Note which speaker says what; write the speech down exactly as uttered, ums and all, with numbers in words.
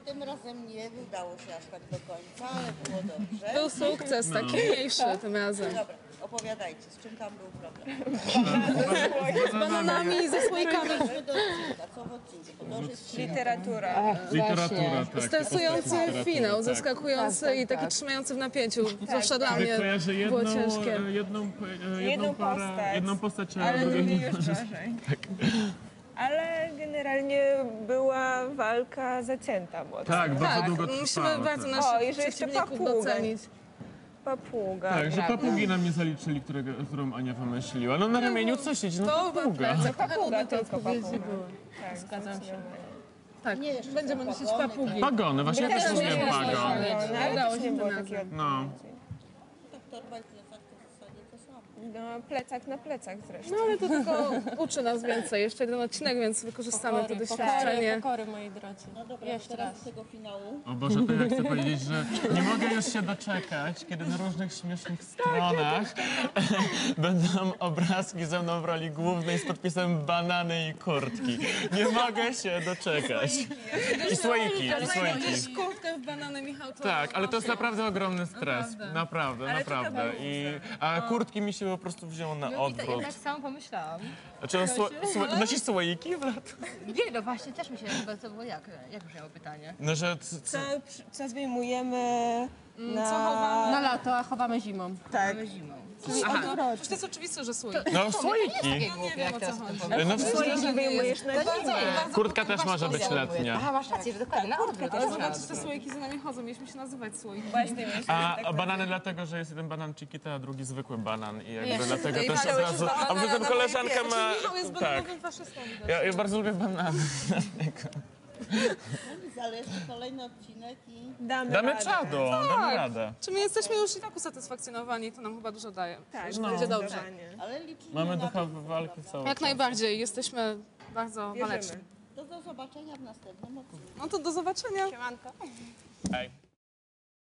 Speaker 1: tym razem nie udało się aż tak do końca, ale było dobrze.
Speaker 2: Był sukces, taki mniejszy tym razem.
Speaker 1: Dobra, opowiadajcie, z czym tam był problem?
Speaker 2: Z bananami i ze słoikami.
Speaker 1: Przejdźmy do odcinka, co w odcinku? Bo to już jest
Speaker 3: Literatura.
Speaker 4: Literatura, tak.
Speaker 2: Stresujący finał,
Speaker 4: tak.
Speaker 2: zaskakujący i taki trzymający w napięciu. Zwłaszcza dla mnie
Speaker 4: Kojarzę jedną,
Speaker 2: było ciężkie.
Speaker 4: jedną, jedną,
Speaker 3: Jedną
Speaker 4: parę,
Speaker 3: postać.
Speaker 4: jedną postać, a
Speaker 3: Ale
Speaker 4: drugiej
Speaker 3: drugiej
Speaker 4: nie
Speaker 3: już gorzej. Ale generalnie była walka zacięta mocno.
Speaker 4: Tak, bardzo
Speaker 2: Tak,
Speaker 4: długo
Speaker 2: musimy
Speaker 4: trwała.
Speaker 2: bardzo
Speaker 4: tak.
Speaker 2: naszych
Speaker 3: O, i że jeszcze
Speaker 2: przeciwników
Speaker 3: papuga.
Speaker 2: docenić.
Speaker 3: Papuga.
Speaker 4: Tak, że
Speaker 3: prawda?
Speaker 4: papugi nam nie zaliczyli, którego, którą Ania wymyśliła. No na ramieniu co siedzi? No
Speaker 2: To
Speaker 4: papuga.
Speaker 2: plecak,
Speaker 3: Papuga,
Speaker 2: te
Speaker 3: tylko
Speaker 2: odpowiedzi
Speaker 3: papuga.
Speaker 2: były.
Speaker 3: Tak,
Speaker 2: Zgadzam się.
Speaker 3: zdecydowanie.
Speaker 2: Tak,
Speaker 1: Nie, jeszcze
Speaker 2: będziemy
Speaker 1: są
Speaker 2: nosić
Speaker 1: pagony,
Speaker 2: papugi.
Speaker 4: Pagony, właśnie ja też
Speaker 2: też
Speaker 4: lubię
Speaker 2: nie
Speaker 4: pagon.
Speaker 2: wiem,
Speaker 3: No, ale
Speaker 2: Udało
Speaker 3: też
Speaker 2: się
Speaker 3: nie
Speaker 2: tym
Speaker 3: było
Speaker 2: razem.
Speaker 3: takiego
Speaker 4: No.
Speaker 1: tak torba i plecak to w zasadzie to samo.
Speaker 3: No, plecak na plecach zresztą.
Speaker 2: No ale to tylko uczy nas więcej. Jeszcze jeden odcinek, więc wykorzystamy to doświadczenie.
Speaker 5: Pokory, moi drodzy.
Speaker 1: No dobra,
Speaker 5: Jeszcze
Speaker 1: teraz
Speaker 5: raz.
Speaker 1: z tego finału.
Speaker 4: O Boże, to ja chcę powiedzieć, że nie mogę już się doczekać, kiedy na różnych śmiesznych stronach będą obrazki ze mną w roli głównej z podpisem banany i kurtki. Nie mogę się doczekać. I słoiki, i słoiki.
Speaker 2: Kurtkę w banany, Michał, to...
Speaker 4: Tak, ale to jest naprawdę ogromny stres. Naprawdę, naprawdę. I, a kurtki mi się po prostu wzięło na
Speaker 5: Ja
Speaker 4: odwrót.
Speaker 5: tak samo pomyślałam.
Speaker 4: Znaczy, sło, sło, nosisz słoiki w lato?
Speaker 5: Nie, no właśnie, też mi się chyba to było jak? Jak brzmiało pytanie?
Speaker 4: No, że c,
Speaker 3: Co,
Speaker 4: c,
Speaker 3: co zdejmujemy na...
Speaker 2: Co chowamy?
Speaker 5: Na lato, a chowamy zimą.
Speaker 3: Tak.
Speaker 5: Zimą.
Speaker 2: Przecież to jest oczywiste, że słoik.
Speaker 4: no słoiki.
Speaker 5: Takie głupie, jak teraz to powiem.
Speaker 4: No, w sensie,
Speaker 3: Słoiki wyjmujesz na zimę.
Speaker 4: kurtka też może być letnia.
Speaker 5: Aha, masz rację, że dokładnie, na odwrót.
Speaker 2: Ale zobaczyć, te słoiki za nami chodzą. Mieliśmy się nazywać słoiki.
Speaker 3: Właśnie, myślę,
Speaker 4: A,
Speaker 3: że
Speaker 4: a
Speaker 3: tak
Speaker 4: banany dlatego, że jest jeden banan Chiquita, a drugi zwykły banan i jakby
Speaker 5: Jeszcze
Speaker 4: dlatego
Speaker 5: tutaj
Speaker 4: też od
Speaker 2: Dałeś
Speaker 4: razu...
Speaker 2: już
Speaker 4: A
Speaker 2: banana
Speaker 4: poza tym
Speaker 2: na
Speaker 4: koleżanka
Speaker 2: moje
Speaker 4: ma...
Speaker 2: piersi. Michał jest
Speaker 4: Tak,
Speaker 2: bananowym faszystą.
Speaker 4: ja, ja bardzo lubię banany.
Speaker 1: Zależy kolejny odcinek i...
Speaker 3: damy,
Speaker 4: Damy
Speaker 3: radę.
Speaker 4: czadu, damy radę.
Speaker 2: Czy my jesteśmy już i tak usatysfakcjonowani, to nam chyba dużo daje.
Speaker 3: Tak,
Speaker 2: Że będzie dobrze.
Speaker 3: zdecydowanie.
Speaker 1: Ale liczymy
Speaker 4: Mamy
Speaker 1: na
Speaker 4: ducha
Speaker 1: to.
Speaker 4: walki całą.
Speaker 2: Jak najbardziej. Jesteśmy bardzo waleczni.
Speaker 3: Wierzymy.
Speaker 1: To do zobaczenia w następnym odcinku.
Speaker 2: No to do zobaczenia.
Speaker 3: Siemanko.
Speaker 4: Hej.